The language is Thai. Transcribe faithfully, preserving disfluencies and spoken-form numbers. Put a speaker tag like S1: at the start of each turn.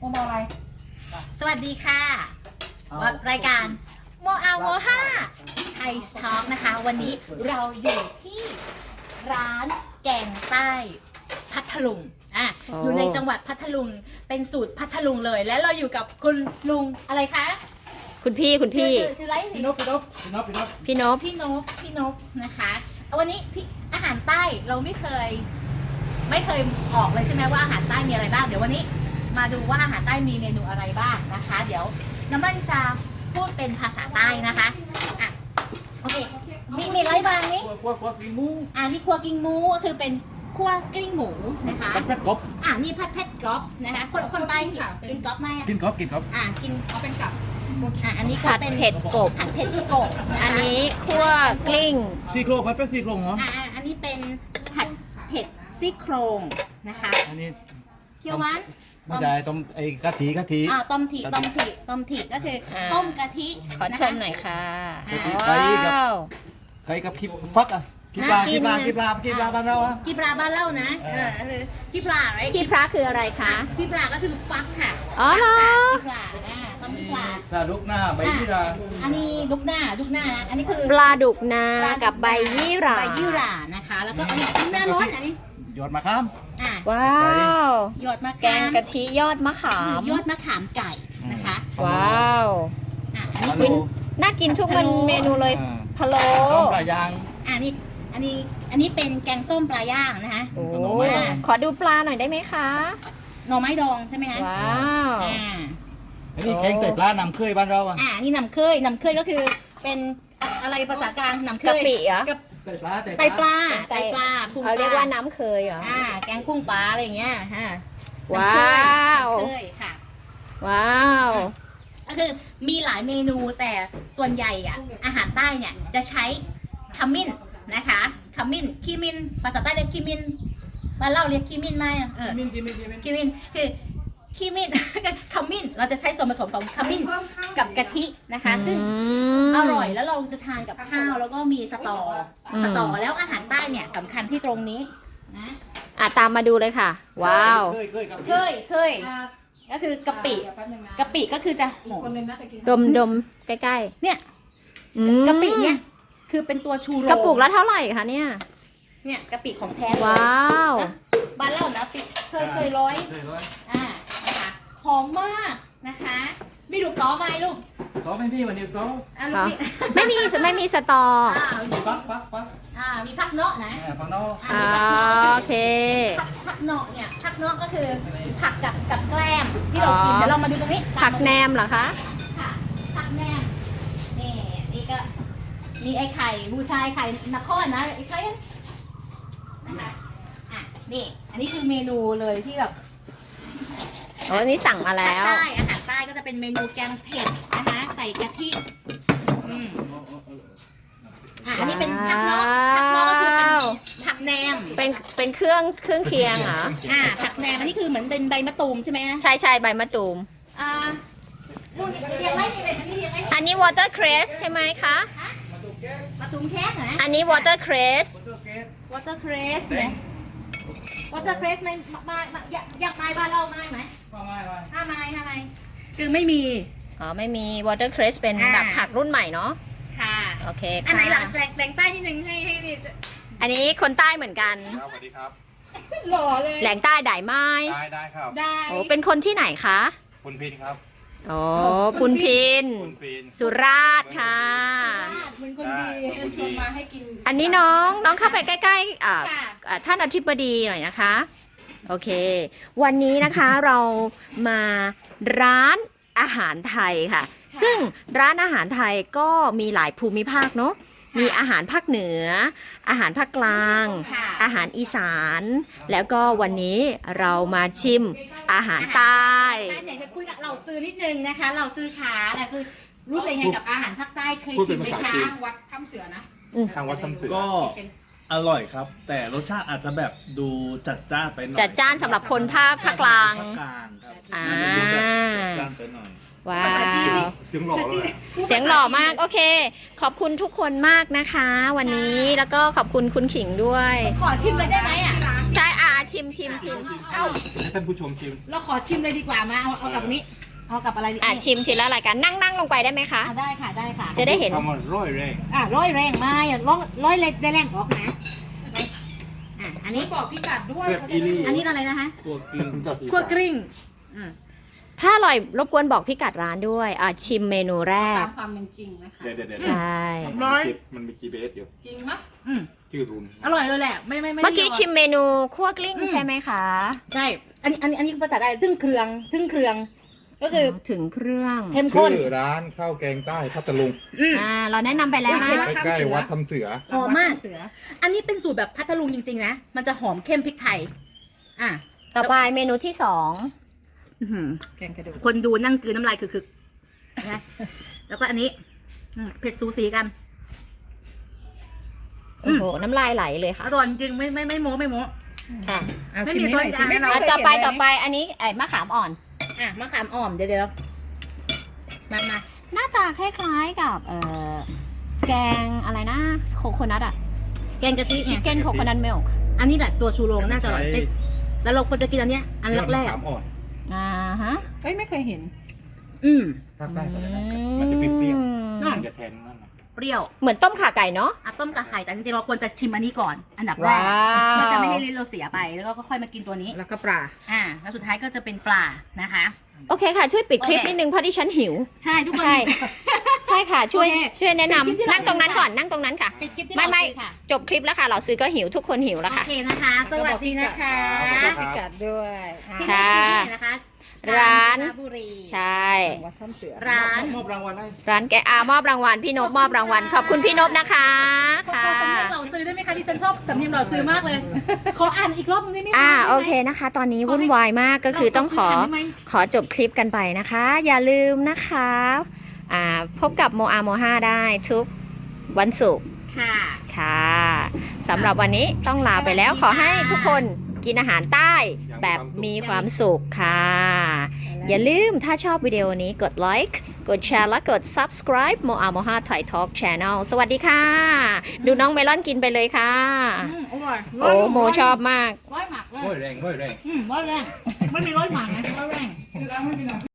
S1: โมเมาอะไรสวัสดีค่ะรายการโมเอาโมห้าไทยสต็อกนะคะวันนี้เราอยู่ที่ร้านแกงใต้พัทลุงอ่ะอยู่ในจังหวัดพัทลุงเป็นสูตรพัทลุงเลยและเราอยู่กับคุณลุงอะไรคะ
S2: คุณพี่คุณพี่
S1: ชื่อชื่ออะไรพี่นพพี่นพพี่นพพี่นพพี่นพพี่นพพี่นพนะคะวันนี้พี่อาหารใต้เราไม่เคยไม่เคยออกเลยใช่ไหมว่าอาหารใต้มีอะไรบ้างเดี๋ยววันนี้มาดูว่าอาหารใต้มีเมนูอะไรบ้างนะคะเดี๋ยวน้ำมันจะพูดเป็นภาษาใต้นะคะอ่ะโอเคมีมีอะไรบ้างนี่
S3: ครัวครัวกิ้งหมู
S1: อ่านี่ครัวกิ้งหมูก็คือเป็นคั่วกลิ้งหมูนะคะ
S3: ผัดเผ็ดกบ
S1: อ่านี่ผัดเผ็ดกบนะคะคนคนใต้กินกินกบไหม
S3: กินกบกินกบ
S1: อ่ากินเอาเป็นกับอ่าอันนี้ก็
S2: ผัด
S1: เป็น
S2: เผ็ดกบ
S1: ผัดเผ็ดกบ
S2: อันนี้คั่วกลิ้ง
S3: ซี่โครงผัดเผ็ดซี่โครงเหรอ
S1: อ่าอันนี้เป็นผัดเผ็ดซี่โครงนะคะ
S3: อันนี้
S1: เคี่ยวหวาน
S3: ไม่ใช่ต้มไอ้กะทิกะทิ
S1: อ่าต้มถิต้มถิต้มถิก็คือต้มกะทิ
S2: ขอชมหน่อยค่ะ
S3: ว้าวใครกับคิบฟักอ่ะกิบลากิบลากิบลากิบลาบ้านเราอ่ะ
S1: กิบลาบ้านเรานะเออคือกิบลาอะไร
S2: พี่พระคืออะไรคะ
S1: กิบลาก็คือฟักค่ะ
S2: อ๋อเหรอ
S1: กิบลาอ่าต้มกิบลา
S3: ปลาดุกหน้าใบยี่รา
S1: อันนี้ดุกหน้าดุกหน้านะอันนี้คือ
S2: ปลาดุกนากับใบยี่รา
S1: ใบยี่รานะคะแล้วก็อันนี้ดุกหน้าร้อนอันนี้
S3: หยอดมะขาม
S2: ว้าว
S1: หยอดมะขาม
S2: แกงกะทิยอดมะขาม
S1: ยอดมะขามไก่นะคะ
S2: ว้าว
S1: อันนี้
S2: คุณน่ากินทุกเมนูเลยพะโล้
S3: ปลายาง
S1: อันนี้อันนี้อันนี้เป็นแกงส้มปลาย่างนะคะ
S2: โอ้ขอดูปลาหน่อยได้ไหมคะ
S1: หน่อไม้ดองใช่ไหมคะ
S2: ว้าว
S3: อันนี้แกงไก่ปลาน้ำเคยบ้านเราอ่ะ
S1: อ่านี่น้ำเคยน้ำเคยก็คือเป็นอะไรภาษากลางน้ำเคย
S2: กะปิเหรอ
S3: ไตปลา
S1: ไตปลาไตปลา
S2: พุ่งปลาเขาเรียกว่าน้ำเคยเหรอ
S1: อ่าแกงพุ่งปลาอะไรอย่างเงี้ยฮะ
S2: ว้าว
S1: เคยค่ะ
S2: ว้าว
S1: ก็คือมีหลายเมนูแต่ส่วนใหญ่อ่ะอาหารใต้เนี่ยจะใช้ขมิ้นนะคะขมิ้นขี้มินภาษาใต้เรียกขี้มินบ้านเราเรียกขี้มินไหมเออขี้มินขี้มินคือขี้มินขมิ้นเราจะใช้ส่วนผสมของขมิ้นกับกะทินะคะซึ่งอร่อยแล้วเราจะทานกับข้าวแล้วก็มีสตอสตอแล้วอาหารใต้เนี่ยสำคัญที่ตรงนี้นะ
S2: อ่ะตามมาดูเลยค่ะว้าว
S1: เคยเคยก็คือกะปิกะปิก็คือจะหอม
S2: ดมดมใกล้
S1: ๆเนี่ยกะปิเนี่ยคือเป็นตัวชูโรง
S2: กระปุกละเท่าไหร่คะเนี่ย
S1: เนี่ยกะปิของแท้
S2: ว้าว
S1: บ้านเล่านะปิเคยเคยร้อยอ่านะคะหอมมากนะคะมีลูกต้อไหมลูก
S3: ต้อไม่พี่วันนี้ต้อ
S1: อ่าลูกนี่
S2: ไม่มีไม่มีสตอ
S3: มีปักปักปัก
S1: อ่ามีพักเนาะนะ
S3: พักเนาะ
S2: อ่าโอเค
S1: ผักเนาะเนี่ยผักเนาะก็คือผักกับกับแกล้มที่เรากินเดี๋ยวเรามาดูตรงนี้
S2: ผักแหนมเหรอคะ
S1: ค่ะผักแหนมนี่นี่ก็มีไอ้ไข่บูชายไข่นครนะไอ้ไข่นะคะอ่ะนี่อันนี้คือเมนูเลยที่แบบ
S2: โอ้นี่สั่งมาแล้ว
S1: ใต้อาหารใต้ก็จะเป็นเมนูแกงเผ็ดนะคะใส่กะทิอืมอ่ะอันนี้เป็นผักเนาะผักเนาะก็คือเป็นผักแหนม
S2: เป็นเป็นเครื่องเครื่องเคียงเหรอ
S1: อ่าผักแหนมอันนี้คือเหมือนเป็นใบมะตูมใช่ไหม
S2: ใช่ใช่ใบมะตูม
S1: อ่าเรียงไว้เรียงอันนี้เรียงไว้
S2: อันนี้ watercress ใช่ไหมคะ
S1: มะตูมแค่ไหน
S2: อันนี้ watercress
S1: watercress ไหม watercress ไม่ไม่อยากอยากไม้บ้านเราไม้ไหม
S3: ไม่ไม่
S1: ห้าไม้ห้าไม้คือไม่มี
S2: อ๋อไม่มี watercress เป็นแบบผักรุ่นใหม่เนาะ
S1: ค่ะ
S2: โอเคค่ะ
S1: อันไหนหลังแหล่งแหล่งใต้นิดนึงให้ให้นี่
S2: อันนี้คนใต้เหมือนกัน
S3: สวัสดีครับ
S1: หล่อเลย
S2: แหล่งใต้ได้ไหม
S3: ได้ได้ครับ
S1: ได้
S2: โอ้เป็นคนที่ไหนคะ
S3: พุนพินครับ
S2: โอ้พุนพินสุราษฎร์ค่ะ
S1: เป็นคนดีชวนมาให้กิน
S2: อันนี้น้องน้องเข้าไปใกล้ๆอ่าท่านอธิบดีหน่อยนะคะโอเควันนี้นะคะเรามาร้านอาหารไทยค่ะซึ่งร้านอาหารไทยก็มีหลายภูมิภาคเนาะมีอาหารภาคเหนืออาหารภาคกลางอาหารอีสานแล้วก็วันนี้เรามาชิมอาหารใต้
S1: ไหนจะคุยกับเราซื้อนิดนึงนะคะเราซื้อขาเราซื้อรู้สึกยังไงกับอาหารภาคใต้เคยชิมไหมคะทางวัดถ้ำเสือนะ
S3: ทางวัดถ้ำเสือ
S4: ก็อร่อยครับแต่รสชาติอาจจะแบบดูจัดจ้านไปหน่อย
S2: จัดจ้านสำหรับคนภาคภาคกลาง
S4: ภาคกลางครับ
S2: อ่า
S4: จัดจ้านไปหน่อย
S2: ว้าว
S3: เสียงหล่อเลย
S2: เสียงหล่อมากโอเคขอบคุณทุกคนมากนะคะวันนี้แล้วก็ขอบคุณคุณขิงด้วย
S1: ขอชิมเลยได้ไหมอ่ะ
S2: ใช่อาชชิมชิมชิม
S1: เอ้า
S3: ให้ท่านผู้ชมชิม
S1: เราขอชิมเลยดีกว่ามาเอาเอากับนี้ เอากับอะไรดี
S2: อ่ะชิมชิมแล้วอะไรกันนั่งนั่งลงไปได้ไหมคะ
S1: อ่ะได้ค่ะได้ค่ะ
S2: จะได้เห็น
S3: คำว่าร้อยแรง
S1: อ่ะร้อยแรงมาอ่ะร้อยร้อยเล็กได้แรงออกนะอ่ะอันนี้
S5: บอกพี่กัดด้วย
S3: เสียบอีลี่
S1: อันนี้อะไรนะคะ
S4: ตัวกลึง
S1: คั่วกลิ้งอืม
S2: ถ้าอร่อยรบกวนบอกพี่กัดร้านด้วยอ่ะชิมเมนูแร
S5: ตาก มความเป็นจริงนะคะ
S3: เดี๋ยวเดี๋ยวเดี๋ยว
S2: ใช่
S1: ร้อย
S3: มันมี จี พี เอส อยู่
S5: จริงไหมย
S1: อืม
S3: ชื่อรุน
S1: อร่อยเลยแหละไม่ไม่ไม่
S2: เมื่อกี้
S1: ได้ย
S2: ชิมเมนูคั่วกลิ้งใช่ไหมคะ
S1: ใช่ อันนี้อันนี้อันนี้ภาษาไทยทึ่งเครื่องทึ่งเครื่อง ก็คือ
S2: ถึงเครื่อง
S1: เข้มข้น
S3: ชื่อร้านข้าวแกงใต้พัทลุง
S1: อืม
S2: อ่าเราแนะนำไปแล้วนะ
S3: ใกล้ๆวัดทำเสือ
S1: หอมมาก
S5: เสือ
S1: อันนี้เป็นสูตรแบบพัทลุงจริงๆนะ มันจะหอมเข้มพริกไทย อ่ะ
S2: ต่อไปเมนูที่สอง
S1: อื้อหือ
S5: แกงกระดูก
S1: คนดูนั่งกลืนน้ำลายคือๆนะแล้วก็อันนี้อืมเผ็ดสูสีกัน
S2: โอ้โหน้ำลายไหลเลย
S1: อ
S2: ค่ะ
S1: ร่อยจริงๆไม่ไม่ไม่โม้ไม่โม้
S2: ค่ะ
S1: ไม่มีซอส
S5: ชิมให้หน่อย
S1: อ่ะ
S5: สิ
S2: ต่อไป
S5: ม่เคยเห็น
S2: ต่อไปอันนี้ไอ้มะขามอ่อน
S1: อ่ะมะขามอ่อมเดี๋ยวเดี๋ยวมามา
S2: หน้าตาคล้ายๆกับเอ่อแกงอะไรนะโคโคนัทอะ
S1: แกงกะทิ
S2: ชิ
S1: ไง
S2: คเก้นโคโคนัทมิลค์
S1: อันนี้แหละตัวชูโรงน่าจะอร่อย
S3: ใช้
S1: เอ๊ะแล้วเราควรจะกินอันเนี้ยอันแรก
S3: ยอดมะขามอ่อน
S2: อ่าฮะ
S5: เอ้ยไม่เคยเห็น
S1: ๆอืม
S3: ภาคใต้ก็จะนะครับมันจะเปรี้ยว
S2: อืม
S3: ๆมันจะแทนนั่นนะ
S1: เปรี้ยว
S2: เหมือนต้มข่าไก่เนาะ
S1: อ่ะต้มกับไข่แต่จริงๆเราควรจะชิมอันนี้ก่อน อันดับแร
S2: ว้าก ว
S1: มันจะไม่ให้ลิ้นเราเสียไปแล้วก็ค่อยมากินตัวนี้
S5: แล้วก็ปลา
S1: อ่าแล้วสุดท้ายก็จะเป็นปลานะคะ
S2: โอเคค่ะ ช่วยปิดคลิป
S1: โอเค
S2: นิดนึงเพราะที่ฉันหิว
S1: ใช่ทุกคน
S2: ใช่ ใช่ค่ะ ช่วย
S1: โอเค
S2: ช่วยแนะนำ
S1: ปิดคลิปที่
S2: นั่งตรงนั้น
S1: เรา
S2: ก่อนนั่งตรงนั้นค่ะ
S1: ปิดคลิปที่
S2: ไม่
S1: เรา
S2: ไม่
S1: ซื้อค่ะ
S2: จบคลิปแล้วค่ะ เราซื้อก็หิวทุกคนหิวแล้ว
S1: โอ
S2: ค่ะ
S1: เคนะคะ สวัสดีนะคะ
S5: พี่กัดด้วยอ่า
S1: ที่
S2: ค่ะ
S1: นี่นะคะ
S2: ร้าน
S1: กญจบุรี
S2: ใช่
S5: วัดถ้ำเสือ
S1: ร้าน
S3: มอบรางวัลให้
S2: ร้านแกอามอบรางวัลพี่นบมอบรางวัลขอบคุณพี่นบนะคะ
S1: ขอ
S2: ค่ะ
S1: สำเนียงเราซื้อได้ไหมคะที่ฉันชอบสำเนียงเราซื้อมากเลย ขออ่านอีกรอบนึงได้ไหมคะ
S2: อ่า
S1: ได้ไหม
S2: โอเคนะคะ ตอนนี้วุ่นวายมากก็คือต้องขอ
S1: เราซื้ทันได้ไหม
S2: ขอจบคลิปกันไปนะคะ อย่าลืมนะคะอ่าพบกับโมอาโมห้าได้ทุกวันศุกร์
S1: ค่ะ
S2: ค่ะสำหรับวันนี้ต้องลาไปแล้ว ขอให้ทุกคนกินอาหารใต้แบบมีความสุขค่ะ อย่าลืมถ้าชอบวิดีโอนี้กดไลค์กดแชร์และกด subscribe โมอาโมห้า Thai Talk Channel สวัสดีค่ะ ดูน้องเมลอนกินไปเลยค่ะ
S1: อืมอร่อย
S2: โอ้โมชอบมาก
S1: ร้อยหมักเลย
S3: ร้อยแรงร้อยแรง
S1: อืมร้อยแรงไม่มีร้อยหมักนะร้อยแรง